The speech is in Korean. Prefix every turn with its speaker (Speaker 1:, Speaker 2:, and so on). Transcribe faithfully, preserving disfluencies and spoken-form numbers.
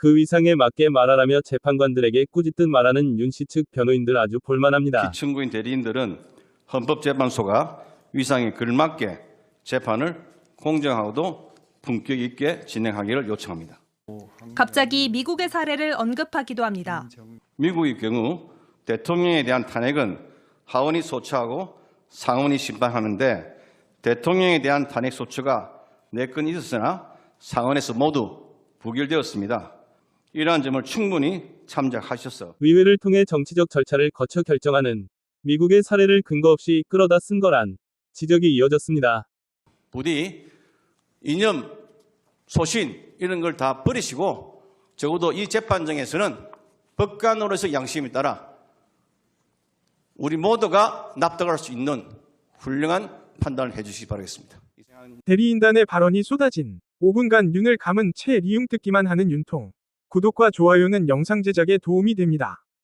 Speaker 1: 그 위상에 맞게 말하라며 재판관들에게 꾸짖듯 말하는 윤 씨 측 변호인들 아주 볼만합니다.
Speaker 2: 피청구인 대리인들은 헌법재판소가 위상에 걸맞게 재판을 공정하고도 품격 있게 진행하기를 요청합니다.
Speaker 3: 갑자기 미국의 사례를 언급하기도 합니다.
Speaker 2: 미국의 경우 대통령에 대한 탄핵은 하원이 소추하고 상원이 심판하는데 대통령에 대한 탄핵 소추가 네 건 있었으나 상원에서 모두 부결되었습니다. 이러한 점을 충분히 참작하셔서
Speaker 1: 의회를 통해 정치적 절차를 거쳐 결정하는 미국의 사례를 근거 없이 끌어다 쓴 거란 지적이 이어졌습니다.
Speaker 2: 부디 이념, 소신 이런 걸 다 버리시고 적어도 이 재판정에서는 법관으로서 양심에 따라 우리 모두가 납득할 수 있는 훌륭한 판단을 해주시기 바라겠습니다.
Speaker 4: 대리인단의 발언이 쏟아진 오 분간 윤을 감은 채 리움 듣기만 하는 윤통. 구독과 좋아요는 영상 제작에 도움이 됩니다.